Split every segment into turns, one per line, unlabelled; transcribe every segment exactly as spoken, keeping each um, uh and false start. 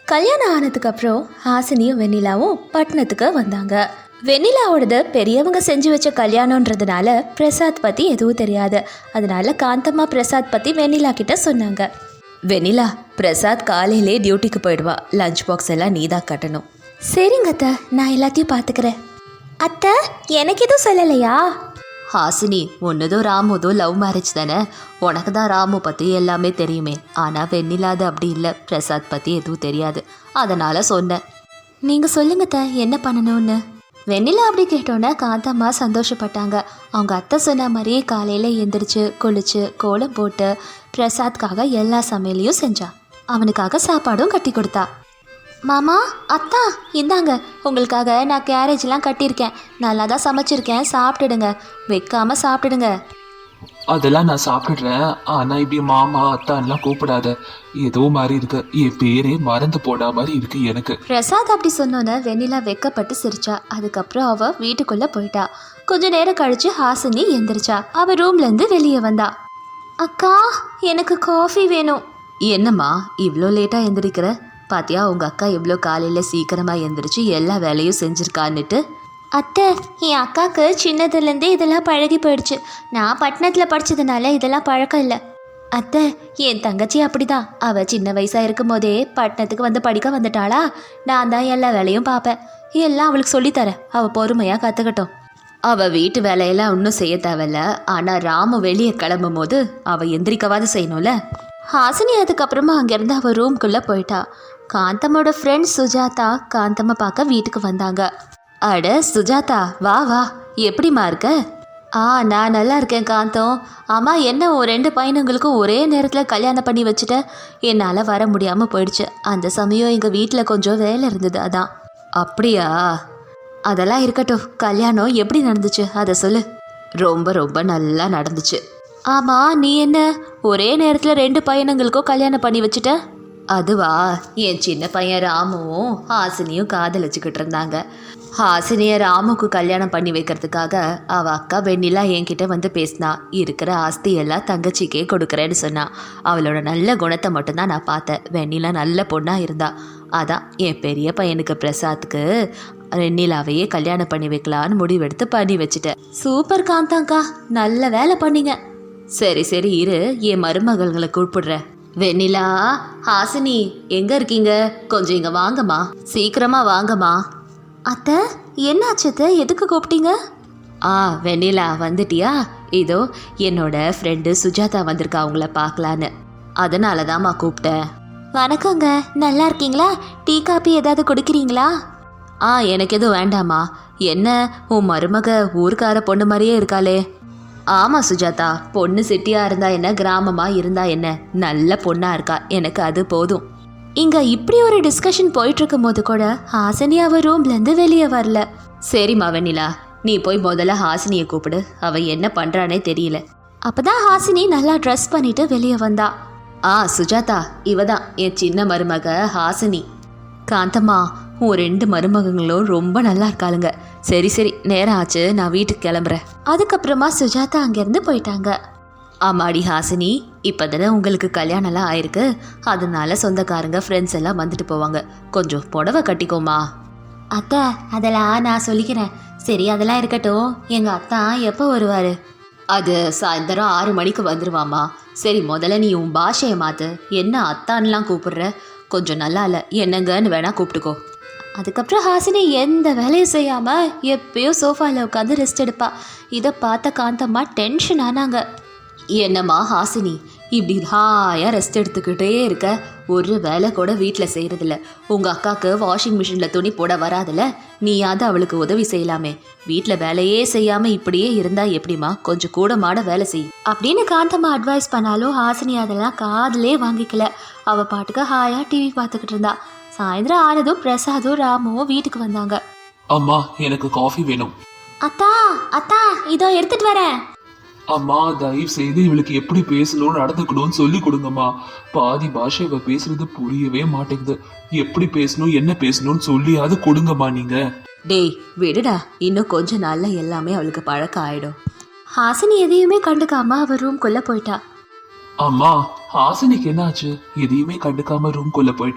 கல்யாணம் ஆனதுக்கு அப்புறம் ஹாசினியும் வெண்ணிலாவும் பட்டணத்துக்கு வந்தாங்க. வெண்ணிலாவோடது பெரியவங்க செஞ்சு வச்ச கல்யாணன்றதுனால பிரசாத் பற்றி எதுவும் தெரியாது. அதனால காந்தம்மா பிரசாத் பற்றி வெண்ணிலா கிட்ட சொன்னாங்க. வெண்ணிலா, பிரசாத் காலையிலே டியூட்டிக்கு போயிடுவா. லஞ்ச் பாக்ஸ் எல்லாம் நீ தான் கட்டணும். சரிங்க அத்தை, நான் எல்லாத்தையும் பார்த்துக்கிறேன். அத்தை, எனக்கு எதுவும் சொல்லலையா? ஹாசினி, உன்னதும் ராமுதும் லவ் மேரேஜ் தானே, உனக்கு தான் ராமு பற்றி எல்லாமே தெரியுமே. ஆனால் வெண்ணிலாது அப்படி இல்லை, பிரசாத் பற்றி எதுவும் தெரியாது. அதனால் சொன்னேன். நீங்கள் சொல்லுங்கத்த, என்ன பண்ணணும்னு. வெண்ணிலா அப்படி கேட்டோன்னே காந்தம்மா சந்தோஷப்பட்டாங்க. அவங்க அத்தை சொன்ன மாதிரியே காலையில் எந்திரிச்சு குளிச்சு கோலம் போட்டு பிரசாத்காக எல்லா சமையலையும் செஞ்சா. அவனுக்காக சாப்பாடும் கட்டி கொடுத்தா. மாமா, அத்தா, இந்தாங்க உங்களுக்காக நான் கேரேஜ்லாம் கட்டியிருக்கேன். நல்லா தான் சமைச்சிருக்கேன், சாப்பிட்டுடுங்க. வைக்காமல் சாப்பிட்டுடுங்க.
அதெல்லாம் நான் சாப்பிட்றேன். ஆனால் இப்படி மாமா அத்தான்லாம் கூப்பிடாத, ஏதோ மாதிரி இருக்கு. என் பேரே மறந்து போடா மாதிரி இருக்கு எனக்கு.
பிரசாத் அப்படி சொன்னோன்னே வெண்ணிலா வெக்கப்பட்டு சிரிச்சா. அதுக்கப்புறம் அவ வீட்டுக்குள்ளே போயிட்டா. கொஞ்ச நேரம் கழிச்சு ஹாசினி எந்திரிச்சா. அவ ரூம்லேருந்து வெளியே வந்தா. அக்கா, எனக்கு காஃபி வேணும். என்னம்மா இவ்வளோ லேட்டாக எந்திரிக்கிற? பாத்தியா உங்க அக்கா எவ்வளோ காலையில் சீக்கிரமாக எந்திரிச்சு எல்லா வேலையும் செஞ்சுருக்கான்னுட்டு. அத்தை, என் அக்காவுக்கு சின்னதுலேருந்தே இதெல்லாம் பழகி போயிடுச்சு. நான் பட்டணத்தில் படித்ததுனால இதெல்லாம் பழக்கம் இல்லை. அத்தை, என் தங்கச்சி அப்படிதான். அவள் சின்ன வயசாக இருக்கும் போதே பட்டணத்துக்கு வந்து படிக்க வந்துட்டாளா. நான் தான் எல்லா வேலையும் பார்ப்பேன். எல்லாம் அவளுக்கு சொல்லித்தரேன். அவள் பொறுமையாக கற்றுக்கட்டும். அவள் வீட்டு வேலையெல்லாம் ஒன்றும் செய்ய தேவையில்ல. ஆனால் ராமு வெளியே கிளம்பும் போது அவள் எந்திரிக்கவாது செய்யணும்ல. ஹாசினி அதுக்கப்புறமா அங்கேருந்து அவள் ரூம்குள்ளே போயிட்டா. காந்தம்மோட ஃப்ரெண்ட் சுஜாதா காந்தம்மை பார்க்க வீட்டுக்கு வந்தாங்க. அட சுஜாதா, வா வா, எப்படிம்மா இருக்க? ஆ, நான் நல்லா இருக்கேன் காந்தம். ஆமாம், என்ன ஒரு ரெண்டு பையனுங்களுக்கும் ஒரே நேரத்தில் கல்யாணம் பண்ணி வச்சுட்டேன். என்னால் வர முடியாமல் போயிடுச்சு. அந்த சமயம் எங்கள் வீட்டில் கொஞ்சம் வேலை இருந்தது, அதான். அப்படியா? அதெல்லாம் இருக்கட்டும். கல்யாணம் எப்படி நடந்துச்சு அதை சொல்லு. ரொம்ப ரொம்ப நல்லா நடந்துச்சு. ஆமாம், நீ என்ன ஒரே நேரத்தில் ரெண்டு பையனுங்களுக்கும் கல்யாணம் பண்ணி வச்சுட்ட? அதுவா, என் சின்ன பையன் ராமுவும் ஹாசினியும் காதலிச்சுக்கிட்டு இருந்தாங்க. ஹாசினியை ராமுக்கு கல்யாணம் பண்ணி வைக்கிறதுக்காக அவள் அக்கா வெண்ணிலா என்கிட்ட வந்து பேசினா. இருக்கிற ஆஸ்தி எல்லாம் தங்கச்சிக்கே கொடுக்குறேன்னு சொன்னா. அவளோட நல்ல குணத்தை மட்டும்தான் நான் பார்த்தேன். வெண்ணிலா நல்ல பொண்ணாக இருந்தா. அதான் என் பெரிய பையனுக்கு பிரசாத்துக்கு வெண்ணிலாவையே கல்யாணம் பண்ணி வைக்கலான்னு முடிவெடுத்து பண்ணி வச்சுட்டேன். சூப்பர் காந்தாங்க்கா, நல்ல வேலை பண்ணீங்க. சரி சரி இரு, என் மருமகள்களை கூப்பிடுறேன். வெண்ணிலா, ஹாசினி எங்கே இருக்கீங்க? கொஞ்சம் இங்கே வாங்கம்மா, சீக்கிரமாக வாங்கம்மா. அத்தை, என்னாச்சத்தை, எதுக்கு கூப்பிட்டீங்க? ஆ, வெண்ணிலா வந்துட்டியா? இதோ என்னோட ஃப்ரெண்டு சுஜாதா வந்திருக்கா அவங்கள பார்க்கலான்னு. அதனால தான்மா கூப்பிட்டேன். வணக்கங்க, நல்லா இருக்கீங்களா? டீ காப்பி ஏதாவது குடிக்கிறீங்களா? ஆ, எனக்கு எதுவும் வேண்டாமா. என்ன உன் மருமக ஊருக்கார பொண்ணு மாதிரியே இருக்காளே. ஆமாம் சுஜாதா, பொண்ணு சிட்டியாக இருந்தா என்ன, கிராமமாக இருந்தா என்ன, நல்ல பொண்ணாக இருக்கா. எனக்கு அது போதும். இங்கே இப்படி ஒரு டிஸ்கஷன் போயிட்டுருக்கும் போது கூட ஹாசினி அவள் ரூம்லேருந்து வெளியே வரல. சரிம்மா வெண்ணிலா, நீ போய் முதல்ல ஹாசினியை கூப்பிடு. அவள் என்ன பண்ணுறானே தெரியல. அப்போ தான் ஹாசினி நல்லா ட்ரெஸ் பண்ணிட்டு வெளியே வந்தா. ஆ சுஜாதா, இவ தான் என் சின்ன மருமக ஹாசினி. காந்தம்மா, உன் ரெண்டு மருமகங்களும் ரொம்ப நல்லா இருக்காளுங்க. சரி சரி, நேரம் ஆச்சு, நான் வீட்டுக்கு கிளம்புறேன். அதுக்கப்புறமா சுஜாதா அங்கேருந்து போயிட்டாங்க. ஆமாடி ஹாசினி, இப்போ தானே உங்களுக்கு கல்யாணம்லாம் ஆயிருக்கு. அதனால சொந்தக்காரங்க ஃப்ரெண்ட்ஸ் எல்லாம் வந்துட்டு போவாங்க. கொஞ்சம் புடவை கட்டிக்கோமா. அத்தா, அதெல்லாம் நான் சொல்லிக்கிறேன். சரி, அதெல்லாம் இருக்கட்டும். எங்கள் அத்தா எப்போ வருவார்? அது சாயந்தரம் ஆறு மணிக்கு வந்துடுவாம்மா. சரி, முதல்ல நீ உன் பாஷையை மாற்று. என்ன அத்தான்லாம் கூப்பிடுற? கொஞ்சம் நல்லா இல்லை, என்னங்கன்னு வேணா கூப்பிட்டுக்கோ. அதுக்கப்புறம் ஹாசினி எந்த வேலையும் செய்யாமல் எப்பயோ சோஃபாவில் உட்காந்து ரெஸ்ட் எடுப்பா. இதை பார்த்த காந்தம்மா டென்ஷன் ஆனாங்க. என்னம்மா ஹாசினி, இப்படி ஹாயாக ரெஸ்ட் எடுத்துக்கிட்டே இருக்க, ஒரு வேலை கூட வீட்டில் செய்கிறதில்ல. உங்கள் அக்காவுக்கு வாஷிங் மிஷினில் துணி போட வராதில்ல, நீயாவது அவளுக்கு உதவி செய்யலாமே. வீட்டில் வேலையே செய்யாமல் இப்படியே இருந்தால் எப்படிமா? கொஞ்சம் கூட மாட வேலை செய் அப்படின்னு காந்தம்மா அட்வைஸ் பண்ணாலும் ஹாசினி அதெல்லாம் காதிலே வாங்கிக்கல. அவள் பாட்டுக்கு ஹாயாக டிவி பார்த்துக்கிட்டு இருந்தா. சாயந்தரம் ஆனதும் பிரசாதும் ராமுவும் வீட்டுக்கு வந்தாங்க.
அம்மா, எனக்கு காஃபி வேணும்.
அத்தா அத்தா, இதோ எடுத்துட்டு வரேன்.
அம்மா, தயவு செய்து இவளுக்கு எப்படி பேசணும் நடந்துக்கணும்னு சொல்லி கொடுங்கம்மா. பாதி பாஷை இவ பேசுறது புரியவே மாட்டேங்குது. எப்படி பேசணும் என்ன பேசணும்னு சொல்லியாவது கொடுங்கம்மா நீங்க.
டேய் விடுடா, இன்னும் கொஞ்ச நாள்ல எல்லாமே அவளுக்கு பழக்கம் ஆயிடும். ஹாசினி எதையுமே கண்டுக்காம அவ ரூம்குள்ள போயிட்டா.
அம்மா, ஹாசினிக்கு என்னாச்சு? எதையுமே கண்டுக்காம ரூம்குள்ள போயிட்டா?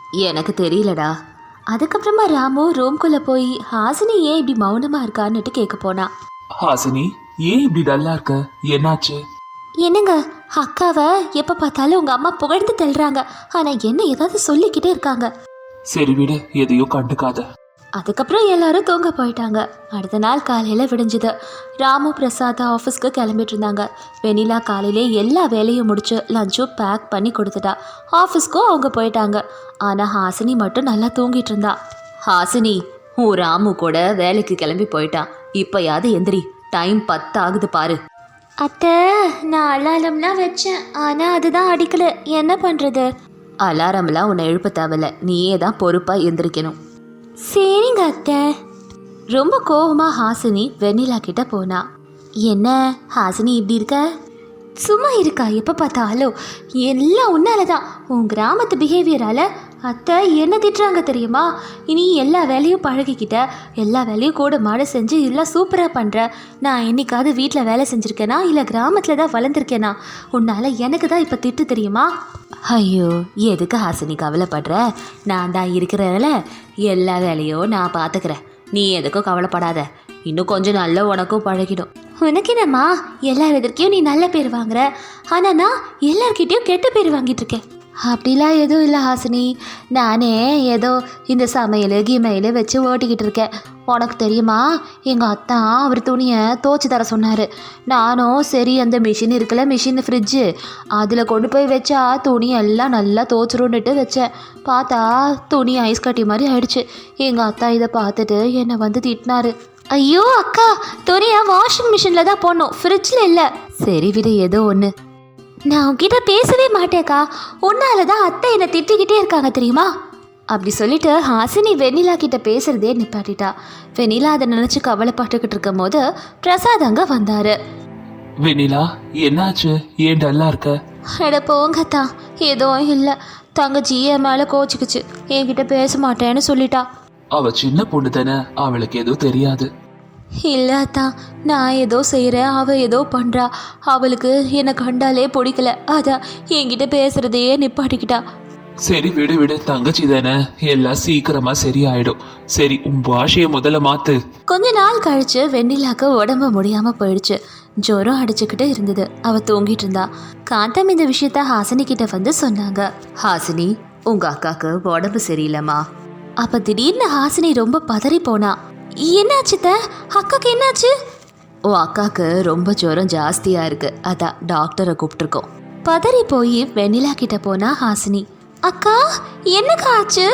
எனக்கு தெரியலடா. அதுக்கப்புறமா ராமு ரூம்குள்ளே போய் ஹாசினி ஏன் இப்படி மௌனமாக இருக்கான்னுட்டு கேட்க போனா.
ஹாசினி, ஏன் இப்படி டல்லா இருக்க? என்னாச்சு?
என்னங்க, அக்காவை எப்போ பார்த்தாலும் உங்கள் அம்மா புகழ்ந்து தள்ளுறாங்க, ஆனால் என்ன ஏதாவது சொல்லிக்கிட்டே இருக்காங்க.
சரி விடு, எதையோ கண்டுக்காத.
அதுக்கப்புறம் எல்லாரும் தூங்க போயிட்டாங்க. அடுத்த நாள் காலையில் விடிஞ்சுது. ராமு பிரசாத் ஆஃபீஸ்க்கு கிளம்பிட்டு இருந்தாங்க. வெண்ணிலா காலையிலே எல்லா வேலையும் முடிச்சு லஞ்சும் பேக் பண்ணி கொடுத்துட்டா. ஆஃபீஸ்க்கும் அவங்க போயிட்டாங்க. ஆனால் ஹாசினி மட்டும் நல்லா தூங்கிட்டு இருந்தா. ஹாசினி, உன் ராமு கூட வேலைக்கு கிளம்பி போயிட்டான். இப்போயாவது எந்திரி, டைம் பத்து ஆகுது பாரு. அத்தை, நான் அலாரம்லாம் வச்சேன், ஆனால் அதுதான் அடிக்கல. என்ன பண்ணுறது? அலாரம்லாம் உன்னை எழுப்ப தேவையில்ல, நீயே தான் பொறுப்பாக எந்திரிக்கணும். சரிங்க அத்தை. ரொம்ப கோபமாக ஹாசினி வெண்ணிலா கிட்ட போனா. என்ன ஹாசினி இப்படி இருக்க? சும்மா இருக்கா? எப்போ பார்த்தாலும் எல்லாம் உன்னால தான். உன் கிராமத்து பிஹேவியரால் அத்தை என்ன திட்டுறாங்க தெரியுமா? இனி எல்லா வேலையும் பழகிக்கிட்ட, எல்லா வேலையும் கூட மாட செஞ்சு எல்லாம் சூப்பராக பண்ணுற. நான் என்னைக்காவது வீட்டில் வேலை செஞ்சுருக்கேனா இல்லை கிராமத்தில் தான் வளர்ந்துருக்கேனா? உன்னால் எனக்கு தான் இப்போ திட்டு தெரியுமா? ஐயோ, எதுக்கு ஹாசினி கவலைப்படுற? நான் தான் இருக்கிறதில்ல, எல்லா வேலையும் நான் பார்த்துக்கிறேன். நீ எதுக்கும் கவலைப்படாத. இன்னும் கொஞ்சம் நல்ல உனக்கும் பழகிடும். உனக்கு என்னம்மா, எல்லார் எதிர்க்கையும் நீ நல்ல பேர் வாங்குற, ஆனால் நான் எல்லார்கிட்டையும் கெட்ட பேர் வாங்கிட்டு இருக்கேன். அப்படிலாம் எதுவும் இல்லை ஹாசினி. நானே ஏதோ இந்த சமையல் கிமையில் வச்சு ஓட்டிக்கிட்டு இருக்கேன். உனக்கு தெரியுமா, எங்கள் அத்தா அவர் துணியை துவைச்சி தர சொன்னார். நானும் சரி, அந்த மிஷின் இருக்குல்ல, மிஷின் ஃப்ரிட்ஜு, அதில் கொண்டு போய் வச்சா துணி எல்லாம் நல்லா துவைச்சிருன்னுட்டு வச்சேன். பார்த்தா துணி ஐஸ் கட்டி மாதிரி ஆயிடுச்சு. எங்கள் அத்தா இதை பார்த்துட்டு என்னை வந்து திட்டினாரு. ஐயோ அக்கா, துணியை வாஷிங் மிஷினில் தான் போடணும், ஃப்ரிட்ஜில் இல்லை. சரி விடு, ஏதோ ஒன்று. நான் உன்கிட்ட பேசவே மாட்டேக்கா, உன்னால தான் அத்தை என்னை திட்டிக்கிட்டே இருக்காங்க தெரியுமா? அப்படி சொல்லிட்டு ஹாசினி வெண்ணிலா கிட்ட பேசுறதே நிப்பாட்டிட்டா. வெண்ணிலா அதை நினைச்சு கவலைப்பட்டுக்கிட்டு இருக்கும் போது பிரசாத் அங்க வந்தாரு.
வெண்ணிலா, என்னாச்சு? ஏன் டல்லா இருக்க?
எட போங்கத்தா, எதுவும் இல்லை. தங்கச்சி என் மேலே கோச்சிக்குச்சு, என்கிட்ட பேச மாட்டேன்னு சொல்லிட்டா.
அவ சின்ன பொண்ணு தானே, அவளுக்கு எதுவும் தெரியாது.
இல்லாத்தா, நான் ஏதோ செய்கிறேன், அவள் ஏதோ பண்ணுறா. அவளுக்கு என்னை கண்டாலே பிடிக்கல, அதான் என்கிட்ட பேசுறதையே நிப்பாட்டிக்கிட்டா.
சரி விடு விடு, தங்கச்சி தானே, எல்லாம் சீக்கிரமா சரியாயிடும். சரி, உன் பாஷைய முதல்ல மாத்து.
கொஞ்ச நாள் கழிச்சு வெண்ணிலாக்கு உடம்பு முடியாம போயிடுச்சு. ஜுரம் அடிச்சுக்கிட்டு இருந்தது. அவ தூங்கிட்டு இருந்தா. காந்தம் இந்த விஷயத்த ஹாசினி கிட்ட வந்து சொன்னாங்க. ஹாசினி, உங்க அக்காக்கு உடம்பு சரியில்லைம்மா. அப்ப திடீர்னு ஹாசினி ரொம்ப பதறி போனா. என்னாச்சு த? அக்காக்கு என்னாச்சு? ஓ, அக்காக்கு ரொம்ப ஜுரம் ஜாஸ்தியா இருக்கு, அதான் டாக்டரை கூப்பிட்டுருக்கோம். பதறி போய் வெண்ணிலா கிட்ட போனா ஹாசினி. அக்கா, என்னக்கா ஆச்சு?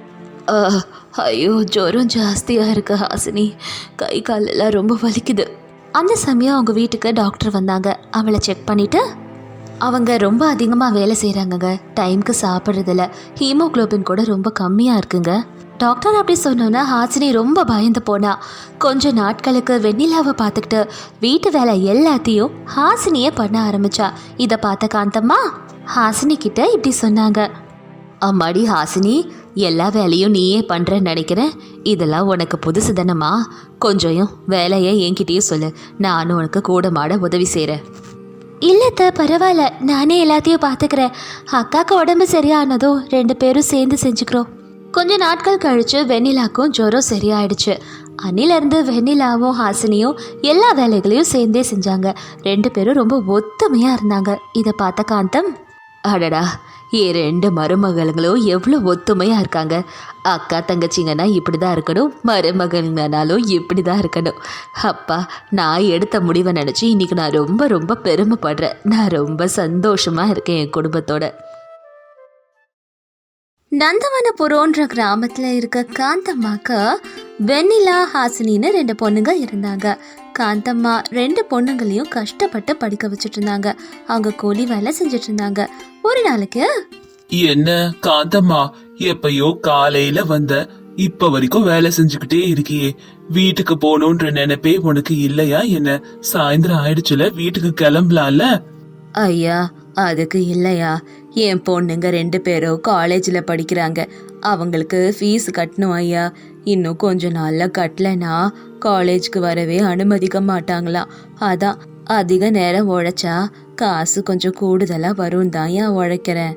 ஐயோ, ஜுரம் ஜாஸ்தியா இருக்கு ஹாசினி, கை காலெல்லாம் ரொம்ப வலிக்குது. அந்த சமயம் அவங்க வீட்டுக்கு டாக்டர் வந்தாங்க. அவளை செக் பண்ணிட்டு, அவங்க ரொம்ப அதிகமாக வேலை செய்கிறாங்கங்க, டைமுக்கு சாப்பிட்றதில்ல, ஹீமோக்ளோபின் கூட ரொம்ப கம்மியாக இருக்குங்க. டாக்டர் அப்படி சொன்னோன்னா ஹாசினி ரொம்ப பயந்து போனா. கொஞ்ச நாட்களுக்கு வெண்ணிலாவை பார்த்துக்கிட்டு வீட்டு வேலை எல்லாத்தையும் ஹாசினியே பண்ண ஆரம்பிச்சா. இதை பார்த்த காந்தம்மா ஹாசினி கிட்ட இப்படி சொன்னாங்க. அம்மாடி ஹாசினி, எல்லா வேலையும் நீயே பண்ணுறேன்னு நினைக்கிறேன். இதெல்லாம் உனக்கு புதுசு தானம்மா, கொஞ்சம் வேலையை என்கிட்டயே சொல்லு, நானும் உனக்கு கூட மாட உதவி செய்கிறேன். இல்லைத்த, பரவாயில்ல, நானே எல்லாத்தையும் பார்த்துக்கிறேன். அக்காவுக்கு உடம்பு சரியானதும் ரெண்டு பேரும் சேர்ந்து செஞ்சுக்கிறோம். கொஞ்ச நாட்கள் கழிச்சு வெண்ணிலாக்கும் ஜுரம் சரியாயிடுச்சு. அன்னிலேருந்து வெண்ணிலாவும் ஹாசினியும் எல்லா வேலைகளையும் சேர்ந்தே செஞ்சாங்க. ரெண்டு பேரும் ரொம்ப ஒத்துமையாக இருந்தாங்க. இதை பார்த்த காந்தம், அடடா, என் ரெண்டு மருமகளுங்களும் எவ்வளோ ஒத்துமையாக இருக்காங்க. அக்கா தங்கச்சிங்கன்னா இப்படி தான் இருக்கணும், மருமகள்னாலும் இப்படி தான் இருக்கணும். அப்பா, நான் எடுத்த முடிவை நினச்சி இன்றைக்கி நான் ரொம்ப ரொம்ப பெருமைப்படுறேன். நான் ரொம்ப சந்தோஷமாக இருக்கேன் என் குடும்பத்தோட. நந்தவனபுரோன்ற கிராமத்தில் இருக்க காந்தம்மாக்கு வெண்ணிலா ஹாசினின்னு ரெண்டு பொண்ணுங்க இருந்தாங்க. காந்தம்மா ரெண்டு பொண்ணுங்களையும் கஷ்டப்பட்டு படிக்க வச்சுட்டு இருந்தாங்க. அவங்க கூலி வேலை செஞ்சுட்டு இருந்தாங்க. ஒரு நாளைக்கு,
என்ன காந்தம்மா, எப்பயோ காலையில வந்த, இப்ப வரைக்கும் வேலை செஞ்சுக்கிட்டே இருக்கியே, வீட்டுக்கு போகணுன்ற நினைப்பே உனக்கு இல்லையா என்ன? சாயந்தரம் ஆயிடுச்சுல, வீட்டுக்கு கிளம்பலாம்ல?
ஐயா, அதுக்கு இல்லையா, என் பொண்ணுங்க ரெண்டு பேரும் காலேஜில் படிக்கிறாங்க, அவங்களுக்கு ஃபீஸ் கட்டணும் ஐயா. இன்னும் கொஞ்ச நாளில் கட்டலைன்னா காலேஜுக்கு வரவே அனுமதிக்க மாட்டாங்களாம். அதான் அதிக நேரம் உழைச்சா காசு கொஞ்சம் கூடுதலாக வரும் தான் ஏன் உழைக்கிறேன்.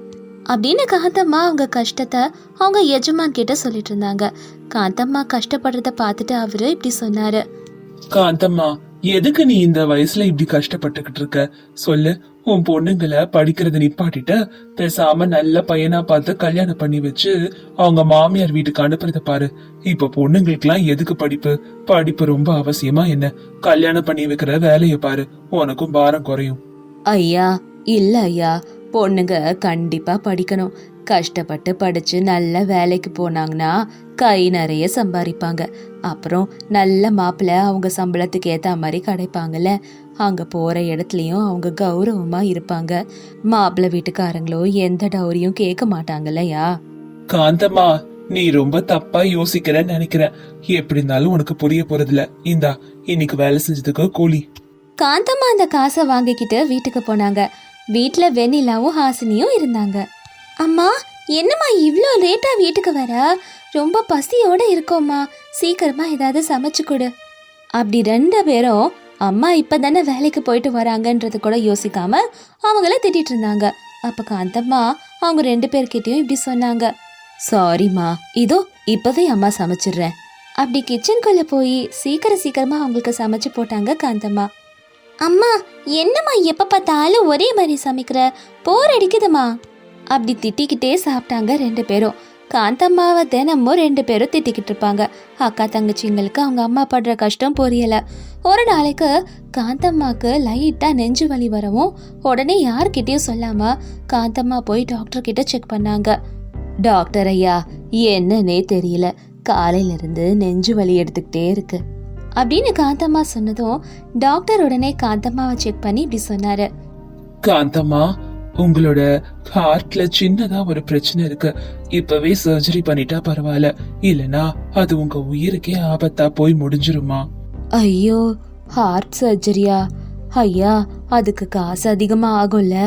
அப்படின்னு காந்தம்மா அவங்க கஷ்டத்தை அவங்க எஜமான் கிட்ட சொல்லிட்டு இருந்தாங்க. காந்தம்மா கஷ்டப்படுறத பார்த்துட்டு அவரு இப்படி சொன்னாரு.
காந்தம்மா, எதுக்கு நீ இந்த வயசுல இப்படி கஷ்டப்பட்டுக்கிட்டு இருக்க சொல்லு. உன் பொண்ணுங்களை படிக்கிறத நிப்பாட்டிட்ட பேசாம நல்ல பையனா பார்த்து கல்யாணம் பண்ணி வச்சு அவங்க மாமியார் வீட்டுக்கு அனுப்புறத பாரு. இப்ப பொண்ணுங்களுக்கு எல்லாம் எதுக்கு படிப்பு? படிப்பு ரொம்ப அவசியமா என்ன? கல்யாணம் பண்ணி வைக்கிற வேலைய பாரு, உனக்கும் பாரம் குறையும்.
ஐயா இல்ல ஐயா, பொண்ணுங்க கண்டிப்பா படிக்கணும். கஷ்டப்பட்டு படிச்சு நல்ல வேலைக்கு போனாங்கன்னா கை நிறைய சம்பாதிப்பாங்க. அப்புறம் நல்ல மாப்பிள்ளை அவங்க சம்பளத்துக்கு ஏத்த மாதிரி கிடைப்பாங்கல்ல. அங்க போற இடத்துலயும் அவங்க கௌரவமா இருப்பாங்க. மாப்பிள்ளை வீட்டுக்காரங்களோ எந்த டௌரியும் கேட்க மாட்டாங்கல்லயா.
காந்தம்மா, நீ ரொம்ப தப்பா யோசிக்கிறன்னு நினைக்கிறேன். எப்படி இருந்தாலும் உனக்கு புரிய போறதில்ல. இந்தா, இன்னைக்கு வேலை செஞ்சதுக்கு கூலி.
காந்தம்மா அந்த காசை வாங்கிக்கிட்டு வீட்டுக்கு போனாங்க. வீட்டுல வெண்ணிலாவும் ஹாசினியும் இருந்தாங்க. அம்மா, என்னம்மா இவ்வளோ லேட்டா வீட்டுக்கு வர? ரொம்ப பசியோட இருக்கோம்மா, சீக்கிரமா ஏதாவது சமைச்சு கொடு. அப்படி ரெண்டு பேரும் அம்மா இப்பதானே வேலைக்கு போயிட்டு வராங்கன்றது கூட யோசிக்காம அவங்கள திட்டிட்டு இருந்தாங்க. அப்ப காந்தம்மா அவங்க ரெண்டு பேர்கிட்டயும் இப்படி சொன்னாங்க. சாரிம்மா, இதோ இப்பவே அம்மா சமைச்சிடுறேன். அப்படி கிச்சனுக்குள்ள போய் சீக்கிரம் சீக்கிரமா அவங்களுக்கு சமைச்சு போட்டாங்க காந்தம்மா. அம்மா, என்னம்மா எப்ப பார்த்தாலும் ஒரே மாதிரி சமைக்கிற, போர் அடிக்குதுமா. அப்படி திட்டிக்கிட்டே சாப்பிட்டாங்க ரெண்டு பேரும். காந்தம்மாவை தினமும் ரெண்டு பேரும் திட்டிக்கிட்டு இருப்பாங்க. அக்கா தங்கச்சிங்களுக்கு அவங்க அம்மா படுற கஷ்டம் புரியல. ஒரு நாளைக்கு காந்தம்மாக்கு லைட்டா நெஞ்சு வலி வரவும் உடனே யார்கிட்டயும் சொல்லாம காந்தம்மா போய் டாக்டர் கிட்ட செக் பண்ணாங்க. டாக்டர் ஐயா, என்னன்னே தெரியல, காலையில இருந்து நெஞ்சு வலி எடுத்துக்கிட்டே இருக்கு அப்படின்னு காந்தம்மா சொன்னதும் டாக்டர் உடனே காந்தம்மாவை செக் பண்ணி இப்படி சொன்னாரு.
காந்தம்மா, உங்களோட ஹார்ட்ல சின்னதா ஒரு பிரச்சனை இருக்கு. இப்பவே சர்ஜரி பண்ணிட்டா பரவாயில்ல, இல்லனா அது உங்க உயிருக்கே ஆபத்தா போய் முடிஞ்சிருமா.
ஐயோ, ஹார்ட் சர்ஜரியா? ஐயா, அதுக்கு காசு அதிகமா ஆகும்ல?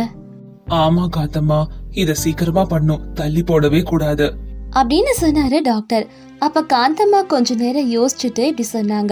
ஆமா காந்தம்மா, இத சீக்கிரமா பண்ணும், தள்ளி போடவே கூடாது
அப்படின்னு சொன்னாரு டாக்டர். அப்ப காந்தம்மா கொஞ்ச நேரம் யோசிச்சுட்டு இப்படி சொன்னாங்க.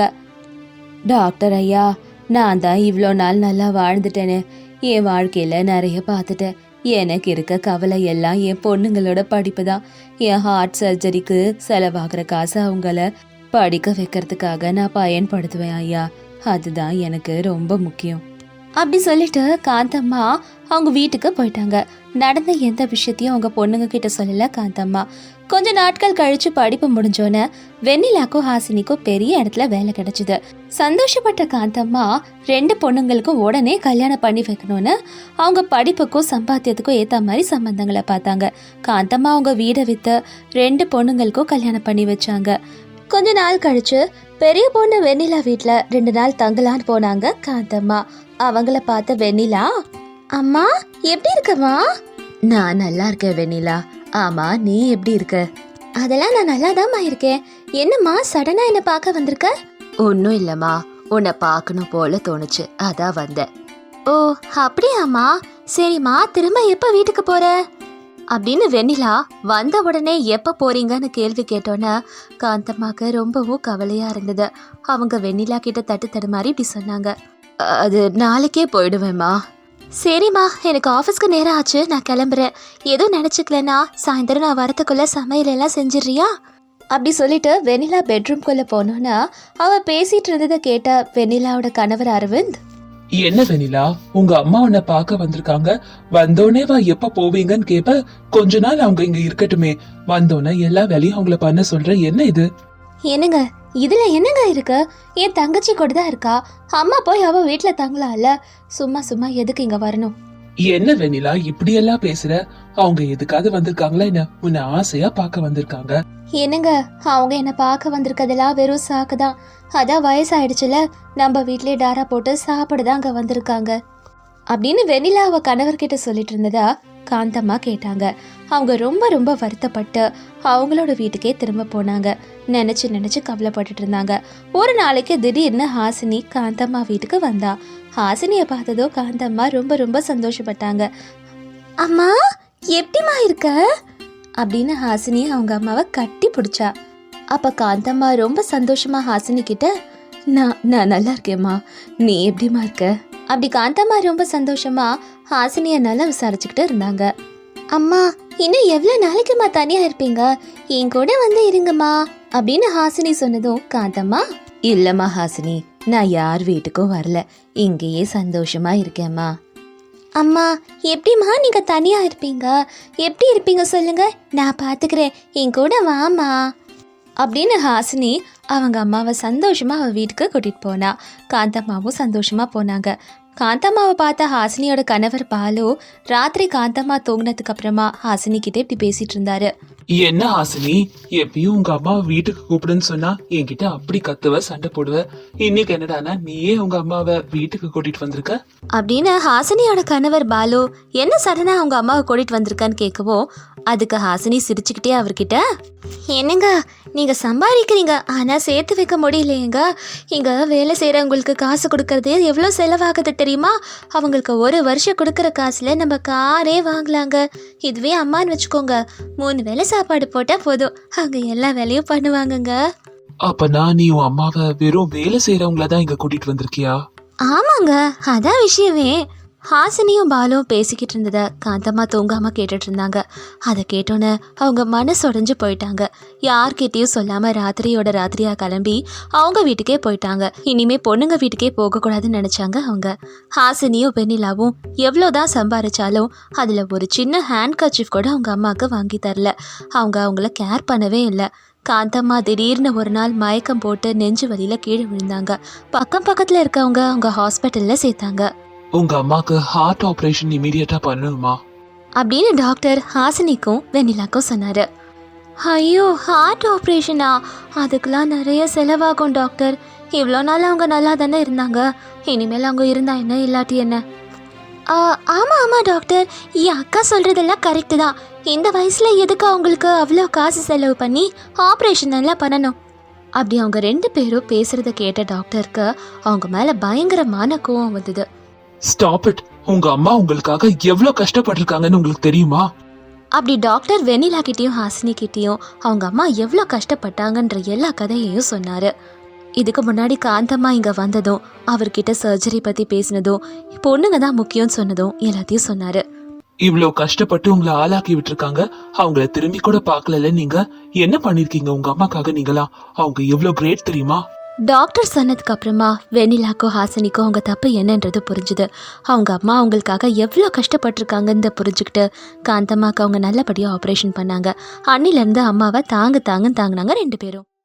டாக்டர் ஐயா, நான் தான் இவ்வளோ நாள் நல்லா வாழ்ந்துட்டேனே, என் வாழ்க்கையில நிறைய பார்த்துட்டேன். எனக்கு இருக்க கவலை எல்லாம் என் பொண்ணுங்களோட படிப்பு தான். என் ஹார்ட் சர்ஜரிக்கு செலவாகிற காசை அவங்கள படிக்க வைக்கிறதுக்காக நான் பயன்படுத்துவேன் ஐயா. அதுதான் எனக்கு ரொம்ப முக்கியம். அப்படி சொல்லிட்டு காந்தம்மா அவங்க வீட்டுக்கு போயிட்டாங்க. நடந்த எந்த விஷயத்தையும் அவங்க பொண்ணுங்க கிட்ட சொல்லல காந்தம்மா. கொஞ்ச நாட்கள் கழிச்சு படிப்பு முடிஞ்சோன்னு வெண்ணிலாக்கும் ஹாசினிக்கும் பெரிய இடத்துல வேலை கிடைச்சிது. சந்தோஷப்பட்ட காந்தம்மா ரெண்டு பொண்ணுங்களுக்கும் உடனே கல்யாணம் பண்ணி வைக்கணும்னு அவங்க படிப்புக்கும் சம்பாத்தியத்துக்கும் ஏத்த மாதிரி சம்பந்தங்களை பார்த்தாங்க. காந்தம்மா அவங்க வீடை வித்து ரெண்டு பொண்ணுங்களுக்கும் கல்யாணம் பண்ணி வச்சாங்க. கொஞ்ச நாள் கழிச்சு பெரிய பொண்ணு வெண்ணிலா வீட்டுல ரெண்டு நாள் தங்கலான்னு போனாங்க காந்தம்மா. அவங்கள பார்த்த வெண்ணிலா, அம்மா எப்படி இருக்கம்மா? நான் நல்லா இருக்கேன் வெண்ணிலா. ஆமா, நீ எப்படி இருக்க? அதெல்லாம் நான் நல்லாதாம்மா இருக்கேன். என்னம்மா சடனா என்ன பார்க்க வந்திருக்க? ஒன்னும் இல்லம்மா, உன்னை பார்க்கணும் போல தோணுச்சு, அதான் வந்தேன். ஓ அப்படியாம்மா, சரிம்மா, திரும்ப எப்ப வீட்டுக்கு போற? அப்படின்னு வெண்ணிலா வந்த உடனே எப்ப போறீங்கன்னு கேள்வி கேட்டோன்னே காந்தம்மாக்கு ரொம்பவும் கவலையா இருந்தது. அவங்க வெண்ணிலா கிட்ட தட்டு தடு மாதிரி இப்படி சொன்னாங்க. அது நாளைக்கே போயிடுவேம்மா. சரிம்மா, எனக்கு ஆஃபீஸ்க்கு நேரம் ஆச்சு, நான் கிளம்புறேன். எதுவும் நினச்சிக்கலன்னா சாயந்தரம் நான் வரத்துக்குள்ள சமையல் எல்லாம் செஞ்சிடுறியா? அப்படி சொல்லிட்டு வெண்ணிலா பெட்ரூம்குள்ள போனோன்னா அவ பேசிட்டு இருந்ததை கேட்ட வெண்ணிலாவோட கணவர் அரவிந்த்,
என்ன வெண்ணிலா, உங்க அம்மா உன்னை பார்க்க வந்திருக்காங்க, வந்தோடனே வா எப்ப போவீங்கன்னு கேப்ப. கொஞ்ச நாள் அவங்க இங்க இருக்கட்டுமே, வந்தோடனே எல்லா வேலையும் அவங்கள பண்ண சொல்ற. என்ன இது?
என்னங்க இதுல என்னங்க இருக்கு? என் தங்கச்சி கூட தான் இருக்கா, அம்மா போய் அவ வீட்டுல தங்கலாம்ல, சும்மா சும்மா எதுக்கு இங்க வரணும்?
என்ன வெண்ணிலா இப்படி எல்லாம் பேசுற? அவங்க எதுக்காவது வந்திருக்காங்களா என்ன? உன்னை ஆசையா பார்க்க வந்திருக்காங்க.
என்னங்க, அவங்க என்ன பார்க்க வந்திருக்கதெல்லாம் வெறும் சாக்குதான். அதான் வயசாயிடுச்சுல, நம்ம வீட்லயே டாரா போட்டு சாப்பிடதான் அங்க வந்திருக்காங்க அப்படின்னு வெண்ணிலா அவ கணவர்கிட்ட சொல்லிட்டு இருந்ததா காந்தம்மா கேட்டாங்க. அவங்க ரொம்ப ரொம்ப வருத்தப்பட்டு அவங்களோட வீட்டுக்கே திரும்ப போனாங்க. நினைச்சு நினைச்சு கவலைப்பட்டுட்டு இருந்தாங்க. ஒரு நாளைக்கு திடீர்னு ஹாசினி காந்தம்மா வீட்டுக்கு வந்தா. ஹாசினிய பார்த்ததோ காந்தம்மா ரொம்ப ரொம்ப சந்தோஷப்பட்டாங்க. அம்மா எப்படிமா இருக்க அப்படின்னு ஹாசினி அவங்க அம்மாவை கட்டி பிடிச்சா. அப்ப காந்தம்மா ரொம்ப சந்தோஷமா ஹாசினி கிட்ட, நான் நான் நல்லா இருக்கேம்மா, நீ எப்படிமா இருக்க? அப்படி காந்தம்மா ரொம்ப சந்தோஷமா ஹாசினிய நல்லா விசாரிச்சுக்கிட்டு இருந்தாங்க. அம்மா இன்னும் எவ்வளோ நாளைக்குமா தனியாக இருப்பீங்க, என் கூட வந்து இருங்கம்மா அப்படின்னு ஹாசினி சொன்னதும் காந்தம்மா, இல்லைம்மா ஹாசினி, நான் யார் வீட்டுக்கும் வரல, இங்கேயே சந்தோஷமா இருக்கேம்மா. அம்மா எப்படிம்மா நீங்கள் தனியாக இருப்பீங்க, எப்படி இருப்பீங்க சொல்லுங்க, நான் பார்த்துக்கிறேன், என் கூட வாம்மா அப்படின்னு ஹாசினி அவங்க அம்மாவை சந்தோஷமாக அவள் வீட்டுக்கு கூட்டிகிட்டு போனா. காந்தம்மாவும் சந்தோஷமாக போனாங்க. காந்தம்மாவை பார்த்த ஹாசினியோட கணவர் பாலு ராத்திரி காந்தம்மா தூங்கினதுக்கு அப்புறமா ஹாசினி கிட்டே இப்படி பேசிட்டு இருந்தாரு.
என்ன ஹாசினி, எப்பயும் உங்க அம்மாவை வீட்டுக்கு கூப்பிடுன்னு சொன்னா என்கிட்ட அப்படி கத்துவ, சண்டை போடுவ. இன்னைக்கு என்னடானா நீயே உங்க அம்மாவை வீட்டுக்கு கூட்டிட்டு வந்திருக்க
அப்படின்னு ஹாசினியோட கணவர் பாலு என்ன சடனா அவங்க அம்மாவை கூட்டிட்டு வந்திருக்கான்னு கேட்கவும், அதுக்கு ஹாசினி சிரிச்சுக்கிட்டே அவர்கிட்ட, என்னங்க நீங்கள் சம்பாதிக்கிறீங்க ஆனால் சேர்த்து வைக்க முடியலையேங்க, இங்கே வேலை செய்கிறவங்களுக்கு காசு கொடுக்கறது எவ்வளோ செலவாகுது தெரியுமா, அவங்களுக்கு ஒரு வருஷம் கொடுக்குற காசில் நம்ம காரே வாங்கலாங்க, இதுவே அம்மான்னு வச்சுக்கோங்க, மூணு வேளை சாப்பாடு போட்டால் போதும், அவங்க எல்லா வேலையும் பண்ணுவாங்கங்க.
அப்பனா நீ உன் அம்மாவை வெறும் வேலை செய்யறவங்கள தான் இங்க கூட்டிட்டு வந்திருக்கியா?
ஆமாங்க, அதான் விஷயமே. ஹாசினியும் பாலும் பேசிக்கிட்டு இருந்ததை காந்தம்மா தூங்காமல் கேட்டுட்டு இருந்தாங்க. அதை கேட்டோன்னே அவங்க மனசு உடைஞ்சு போயிட்டாங்க. யார்கிட்டையும் சொல்லாமல் ராத்திரியோட ராத்திரியாக கிளம்பி அவங்க வீட்டுக்கே போயிட்டாங்க. இனிமேல் பொண்ணுங்க வீட்டுக்கே போகக்கூடாதுன்னு நினச்சாங்க அவங்க. ஹாசினியும் வெண்ணிலாவும் எவ்வளோதான் சம்பாதிச்சாலும் அதில் ஒரு சின்ன ஹேண்ட் கர்ச்சீஃப் கூட அவங்க அம்மாவுக்கு வாங்கி தரல. அவங்க அவங்கள கேர் பண்ணவே இல்லை. காந்தம்மா திடீர்னு ஒரு நாள் மயக்கம் போட்டு நெஞ்சு வலியில் கீழே விழுந்தாங்க. பக்கம் பக்கத்தில் இருக்கவங்க அவங்க ஹாஸ்பிட்டலில் சேர்த்தாங்க.
உங்க அம்மாக்கு ஹார்ட் ஆபரேஷன் இமீடியட்டா பண்ணணுமா
அப்படின்னு டாக்டர் ஹாசினிக்கும் வெண்ணிலாக்கும் சொன்னாரு. ஐயோ, ஹார்ட் ஆப்ரேஷனா? அதுக்கெல்லாம் நிறைய செலவாகும் டாக்டர். இவ்வளோ நாள் அவங்க நல்லா தானே இருந்தாங்க, இனிமேல் அவங்க இருந்தா என்ன இல்லாட்டி என்ன? ஆமாம் ஆமாம் டாக்டர், என் அக்கா சொல்கிறதெல்லாம் கரெக்டு தான். இந்த வயசில் எதுக்கு அவங்களுக்கு அவ்வளோ காசு செலவு பண்ணி ஆப்ரேஷன் எல்லாம் பண்ணணும்? அப்படி அவங்க ரெண்டு பேரும் பேசுகிறத கேட்ட டாக்டருக்கு அவங்க மேலே பயங்கரமான கோவம் வந்தது.
ஸ்டாப் இட், உங்க அம்மா உங்களுக்காக எவ்வளவு கஷ்டப்பட்டிருக்காங்கன்னு உங்களுக்கு தெரியுமா?
அப்படி டாக்டர் வெண்ணிலா கிட்டேயும் ஹாசினி கிட்டேயும் அவங்க அம்மா எவ்வளோ கஷ்டப்பட்டாங்கன்ற எல்லா கதையையும் சொன்னார். இதுக்கு முன்னாடி காந்தம்மா இங்கே வந்ததும் அவர்கிட்ட சர்ஜரி பற்றி பேசினதும் பொண்ணுங்க தான் முக்கியம்னு சொன்னதும் எல்லாத்தையும் சொன்னார்.
இவ்வளவு கஷ்டப்பட்டு உங்களை ஆளாக்கி விட்டுருக்காங்க, அவங்கள திரும்பி கூட பார்க்கல. நீங்க என்ன பண்ணிருக்கீங்க உங்க அம்மாக்காக? நீங்களா அவங்க எவ்வளவு கிரேட் தெரியுமா?
டாக்டர் சொன்னதுக்கு அப்புறமா வெண்ணிலாக்கோ ஹாசினிக்கோ அவங்க தப்பு என்னன்றது புரிஞ்சுது. அவங்க அம்மா அவங்களுக்காக எவ்வளோ கஷ்டப்பட்டிருக்காங்கன்னு புரிஞ்சுக்கிட்டு காந்தம்மாக்கு அவங்க நல்லபடியாக ஆப்ரேஷன் பண்ணாங்க. அன்னிலேருந்து அம்மாவை தாங்க தாங்கன்னு தாங்கினாங்க ரெண்டு பேரும்.